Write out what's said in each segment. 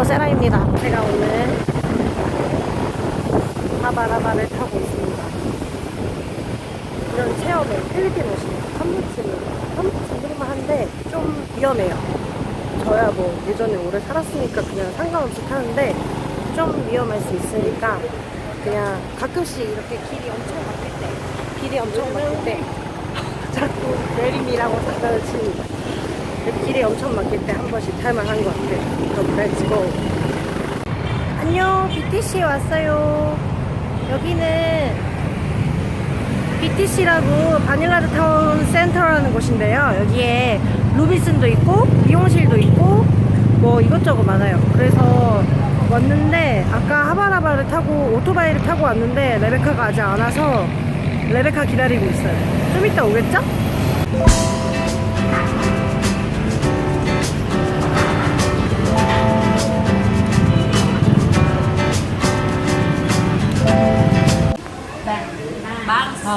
세라입니다. 제가 오늘 하바라바를 타고 있습니다. 이런 체험을 필리핀 오시면 한 번쯤 정도만 한데 좀 위험해요. 저야 뭐 예전에 오래 살았으니까 그냥 상관없이 타는데 좀 위험할 수 있으니까 그냥 가끔씩 이렇게 길이 엄청 막힐 때 자꾸 내림이라고 장난을 칩니다. 길이 엄청 막힐 때 한 번씩 탈만한 것 같아요. 그럼 렛츠고. 안녕, BTC에 왔어요. 여기는 BTC라고 바닐라드 타운 센터라는 곳인데요. 여기에 루비슨도 있고 미용실도 있고 뭐 이것저것 많아요. 그래서 왔는데 아까 하바라바를 타고 오토바이를 타고 왔는데 레베카가 아직 안 와서 레베카 기다리고 있어요. 좀 이따 오겠죠? Bangs.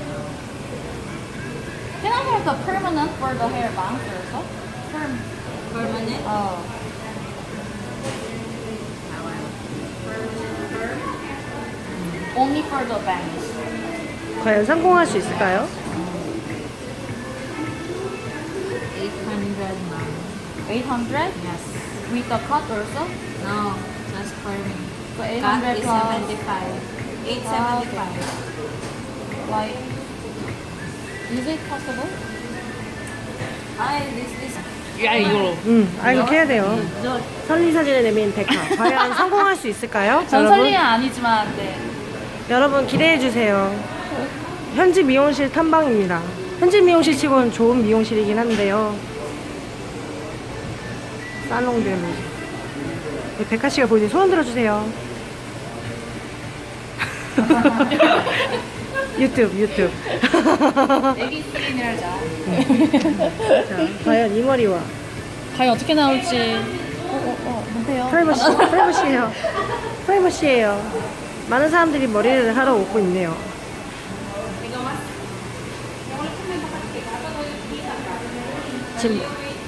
Can I have the permanent for the hair bangs also? Permanent? Only for the bangs. 과연 성공할 수 있을까요? 800 now. 800? Yes. With the cut also? No, just perming. So Cut 800 is plus 75. 875. like, is it possible? This 야 이걸로. 이렇게 해야 돼요. 설리사진을 내민 백화. 과연 성공할 수 있을까요? 전 여러분? 설리는 아니지만 네. 여러분 기대해주세요. 현지 미용실 탐방입니다. 현지 미용실 치고는 좋은 미용실이긴 한데요. 살롱들. 네, 백화 씨가 보이니 소원 들어주세요. 유튜브. 애기 스킨을 하자. 자, 과연 이 머리와 과연 어떻게 나올지. 뭔데요? 프라이버시예요. 많은 사람들이 머리를 하러 오고 있네요. 지금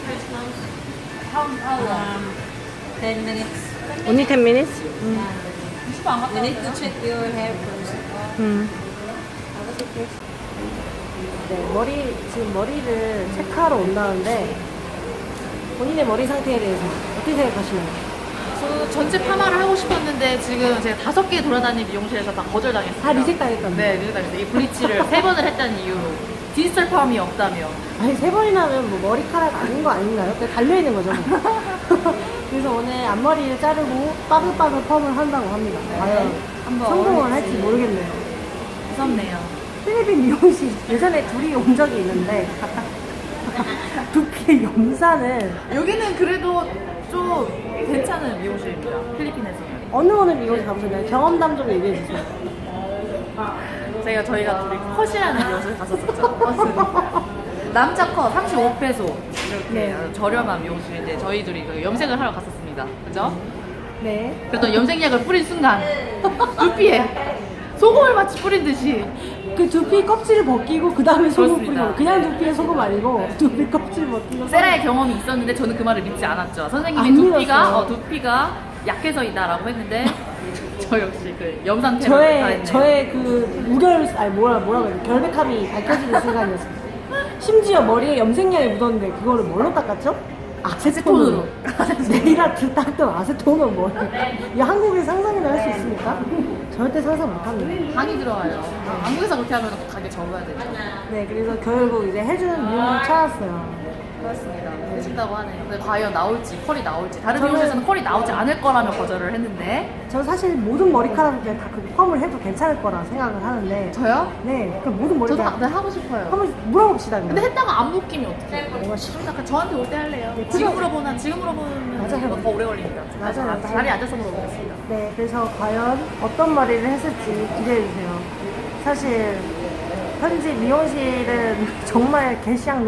Ten minutes. only 10 minutes? You need to check your hair first. 네, 지금 머리를 체크하러 온다는데 본인의 머리 상태에 대해서 어떻게 생각하시나요? 저 전체 파마를 하고 싶었는데 지금 제가 5개 돌아다니는 미용실에서 다 거절당했어요. 다 리셋 당했던데. 네, 리셋 당했어요. 이 블리치를 3번을 했다는 이유로 디지털 펌이 없다며. 아니 3번이나 하면 뭐 머리카락 아닌 거 아닌가요? 그냥 달려있는 거죠 뭐. 그래서 오늘 앞머리를 자르고 빠글빠글 펌을 한다고 합니다. 과연 한번 성공을 할지 어울릴지. 모르겠네요. 무섭네요. 필리핀 미용실 예전에 둘이 온 적이 있는데 두피의 염산을 여기는 그래도 좀 괜찮은 미용실입니다. 필리핀에서는. 어느 미용실 가보셨나요? 경험담 좀 얘기해주세요. 저희가 둘이 컷이라는 미용실 갔었었죠. 컷은. 남자 컷 35페소 이렇게 네. 아주 저렴한 미용실인데 저희 둘이 그 염색을 하러 갔었습니다. 그죠? 네. 그랬더니 염색약을 뿌린 순간 두피에 소금을 마치 뿌린 듯이 그 두피 껍질을 벗기고 그 다음에 소금 그렇습니다. 뿌리고 그냥 두피에 소금 아니고 두피 껍질 벗기고 세라의 경험이 있었는데 저는 그 말을 믿지 않았죠. 선생님이 안 두피가 믿었어요. 약해서이다라고 했는데 저 역시 그 염산 테러를 당했네요. 저의 그 뭐라고 해야 돼? 결백함이 밝혀지는 순간이었습니다. 심지어 머리에 염색약이 묻었는데 그거를 뭘로 닦았죠? 아세톤으로. 네일 아트 닦던 아세톤은 뭐예요? 이 한국에 상상이나 할 수 있습니까? 절대 상상 못합니다. 간이 들어와요. 한국에서 그렇게 하면 가게 접어야 되죠. 네, 그래서 결국 이제 해주는 미용을 찾았어요. 그렇습니다. 해준다고 하네요. 근데 과연 나올지, 컬이 나올지. 다른 저는- 미용실에서는 컬이 나오지 않을 거라며 거절을 했는데. 저는 사실 모든 머리카락을 그냥 다 그 펌을 해도 괜찮을 거라 생각을 하는데 저요? 네, 그럼 모든 저도 머리카락 하고 싶어요. 한번 물어봅시다. 그냥. 근데 했다가 안 묶이면 어떡해요? 뭔가 싫어. 약간 저한테 올 때 할래요. 네, 지금 물어보면 맞아요. 더 오래 걸리니까. 맞아요. 자리에 앉아서 물어보겠습니다. 네, 그래서 과연 어떤 머리를 했을지 기대해주세요. 사실 현지 미용실은 정말 개시양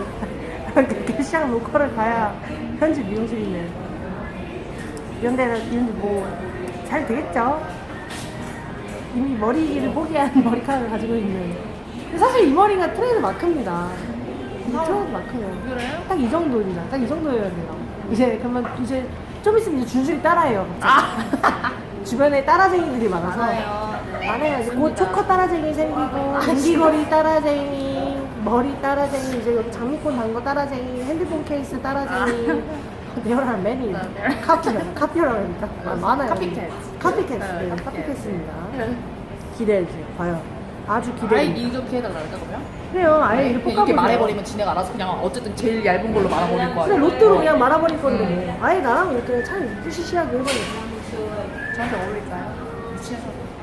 로컬을 가야 현지 미용실이네. 이런 데는 뭐 잘 되겠죠? 이미 머리를 포기한 머리카락을 가지고 있는. 근데 사실 이 머리가 트레이드 마크입니다. 이 트레이드 마크예요. 그래요? 딱 이 정도입니다. 딱 이 정도여야 돼요. 이제 그러면 이제 좀 있으면 이제 줄줄이 따라해요. 주변에 따라쟁이들이 많아서. 많아요. 이제 곧 초커 따라쟁이 생기고, 인디거리 따라쟁이, 머리 따라쟁이, 이제 여기 장미꽃 단 거 따라쟁이, 핸드폰 케이스 따라쟁이. There are many. 카피라고 합니까? 많아요. 카피캣. 카피캣. 네, 카피캣입니다. 기대해주세요. 과연. 아주 아예 기대해주세요. 이렇게 해달라 그럴까 그러면? 그래요. 아예 이렇게 이렇게 볶아보세요. 말해버리면 지네가 알아서 그냥 어쨌든 제일 얇은 걸로 말아버릴 거야. 그냥 로또로 그냥 말아버릴 건데 뭐. 아예 나랑 이렇게 참 푸시시하게 해버려. 저한테 어울릴까요? 미치겠어.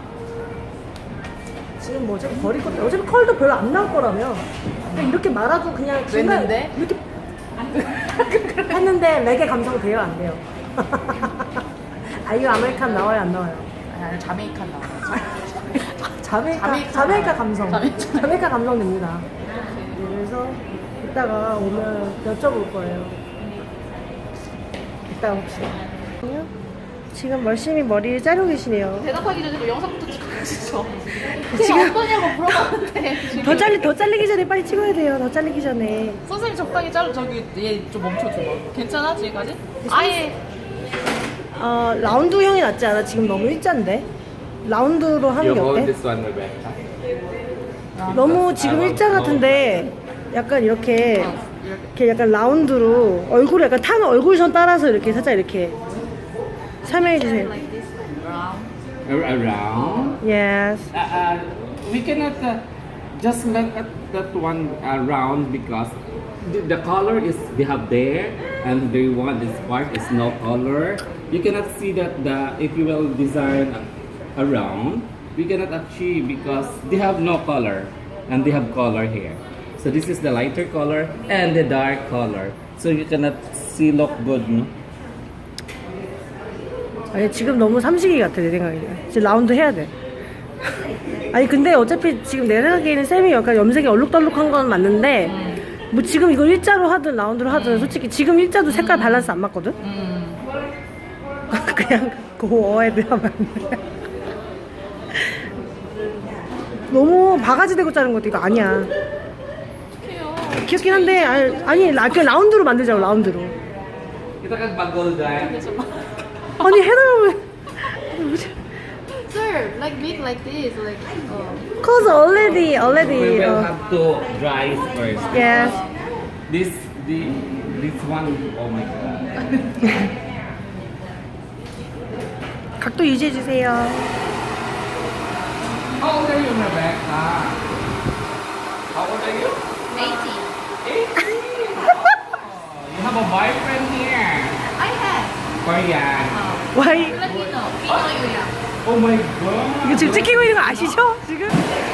지금 뭐 어차피 버릴 것도 어차피 컬도 별로 안 나올 거라며. 그냥 이렇게 말아도 그냥 중간 냈는데? 이렇게 했는데 레게 감성 돼요 안 돼요? 아 이거 아메리칸 나와요 안 나와요? 아니 자메이칸 나와요. 자메이카 감성. 자메이카. 자메이카 감성 됩니다. 그래서 이따가 오면 여쭤볼 거예요. 이따가 봅시다. 지금 열심히 머리를 자르고 계시네요. 대답하기 전에 영상부터 찍어주시죠. 지금 어떠냐고 물어봤는데 지금. 더 잘리기 전에 빨리 찍어야 돼요. 더 잘리기 전에. 선생님 적당히 자르 저기 얘 좀 멈춰줘. 괜찮아 지금까지? 아예 라운드형이 낫지 않아? 지금 너무 일자인데? 라운드로 하는 You 게 hold 어때? this one, Rebecca. 너무 지금 일자 같은데 약간 이렇게 약간 라운드로 얼굴에 약간 타는 얼굴선 따라서 이렇게 살짝 이렇게 설명해 주세요. Around. Yes. We cannot just make that one round because the color is we have there and the one this part is no color. You cannot see that if you will design around, we cannot achieve because they have no color and they have color here. So this is the lighter color and the dark color. So you cannot see look good, no? 아니 지금 너무 삼식이 같아 내 생각에. 지금 라운드 해야 돼. 아니 근데 어차피 지금 내 생각에는 쌤이 약간 염색이 얼룩덜룩한 건 맞는데 뭐 지금 이걸 일자로 하든 라운드로 하든 솔직히 지금 일자도 색깔 밸런스 안 맞거든? 그냥 고어헤드 하면 안 돼. 너무 바가지 대고 자른 것도 이거 아니야. 귀엽긴 한데 아니 그냥 라운드로 만들자고 라운드로. Kita kan bagol dye. 아니 해달라고. Sir, like big like this, like Cause already We will have to dry it first. yes. This one, oh my god. 각도 유지해 주세요. How old are you, Rebecca? How old are you? 80. 80. You have a boyfriend here. I have. Korean. 와이 Filipino. Pinoy Oh my god. 이거 지금 찍히고 있는 거 아시죠? 지금?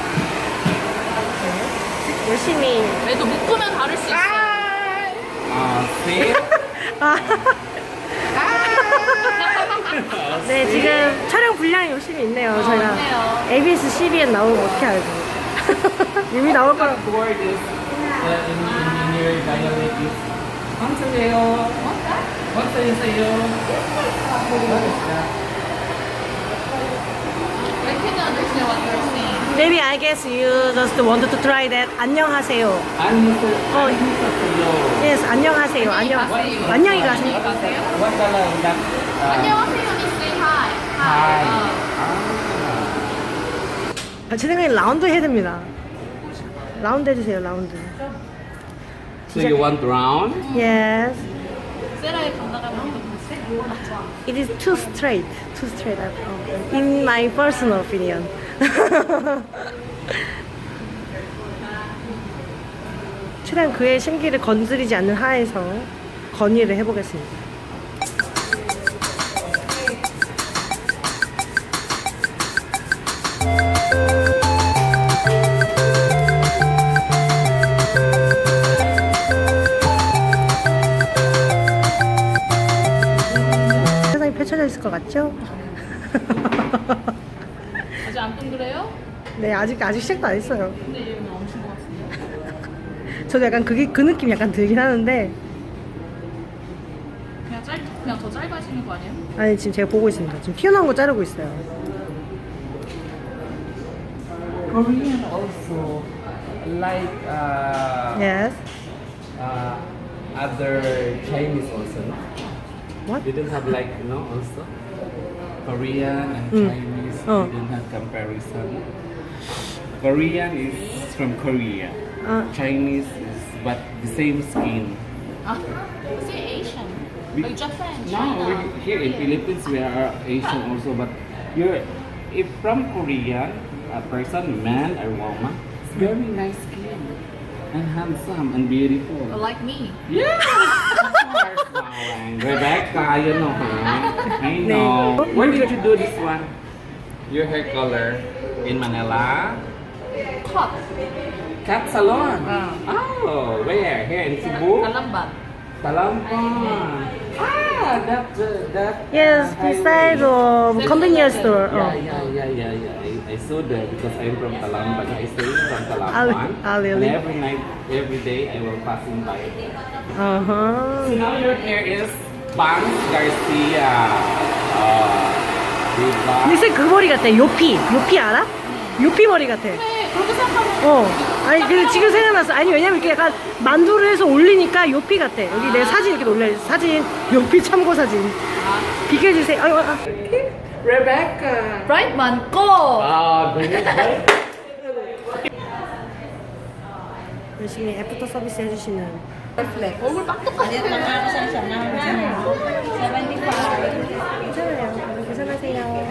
열심히. 그래도 묶으면 다를 수 있어. See? 네 지금 촬영 분량이 열심히 있네요. 저희가 있네요. ABS CBN 나오면 어떻게 알고? 이미 나올 거라. Word is in your dialect is 감사해요. 감사해요. What is that? I can understand what you're saying. Maybe I guess you just wanted to try that. 안녕하세요. 안녕하세요. Yes, 안녕하세요. 가세요. 안녕히 가세요. 가세요. What color is that? 안녕하세요, means say hi. Hi. 제 생각엔 라운드 해야 됩니다. 라운드 해주세요. 라운드. So you want round? Yes. 세라의 감나가면 어떻게 It is too straight. Too straight. In my personal opinion. 최대한 그의 심기를 건드리지 않는 하에서 건의를 해보겠습니다. 세상이 펼쳐져 있을 것 같죠? 아직 안 둥그래요? 네, 아직 시작도 안 했어요. 근데 이거 멈춘 것 같은데. 저도 약간 그 느낌 약간 들긴 하는데, 그냥 더 짧아지는 거 아니에요? 아니 지금 제가 보고 있습니다. 지금 튀어나온 거 자르고 있어요. Korean also like Yes. other Chinese also. No? What? You don't have like, also Korean and Chinese. Oh. You don't have comparison. Korean is from Korea. Chinese is but the same skin. Is it Asian? We- Like Japan, No, China. here in Philippines we are Asian also, but you're if from Korean, a person, man or woman, it's very nice skin and handsome and beautiful. Like me. Yes, of course, Mawang. Rebecca, you know her. I know. Where did you do this one? Your hair color in Manila? Cut. Cat salon. Oh, where? Here in Cebu? Kalambat. Talampan. Ah, that. Yes, beside of convenience store. Yeah. I saw that because I'm from Talamban. I stay from Talamban. Really? And every night, every day, I will passing by. So Uh-huh. now your hair is Bangs Garcia. Diba? 근데 그 머리 같아. 요피 알아? 요피 머리 같아. 네, 그렇게 생각하면 아니 그 지금 생각났어. 아니 왜냐면 이렇게 약간 만두를 해서 올리니까 요피 같아. 여기 내 사진 이렇게 올려. 사진 요피 참고 사진. 비켜주세요. Rebecca. 브라이트만 고! 열심히 애프터 서비스 해주시는. 얼굴 빡똑하지. 괜찮아요. 계산하세요.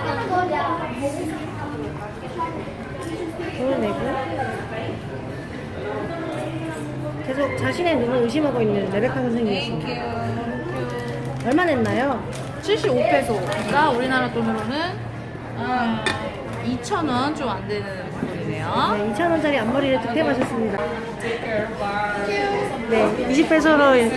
돈을 내고 계속 자신의 눈을 의심하고 있는 레베카 선생님이십니다. 얼마 냈나요? 75페소가 우리나라 돈으로는 2,000원 좀 안 되는 돈이네요. 네, 2,000원짜리 앞머리를 득템하셨습니다. 네, 20배소로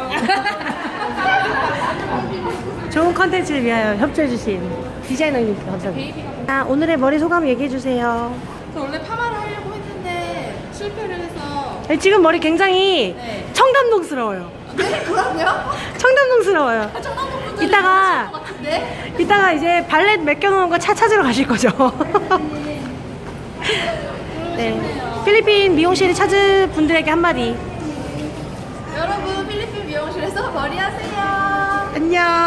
좋은 컨텐츠를 위하여 협조해주신 디자이너님께 감사합니다. 오늘의 머리 소감 얘기해주세요. 저 원래 파마를 하려고 했는데 실패를 해서. 지금 머리 굉장히 네. 청담동스러워요. 네, 그럼요. 청담동스러워요. 청담동분들이 이따가 것 같은데. 이따가 이제 발렛 맡겨놓은 거 차 찾으러 가실 거죠? 네. 필리핀 미용실을 찾은 분들에게 한마디. 여러분 필리핀 미용실에서 머리 하세요. 안녕.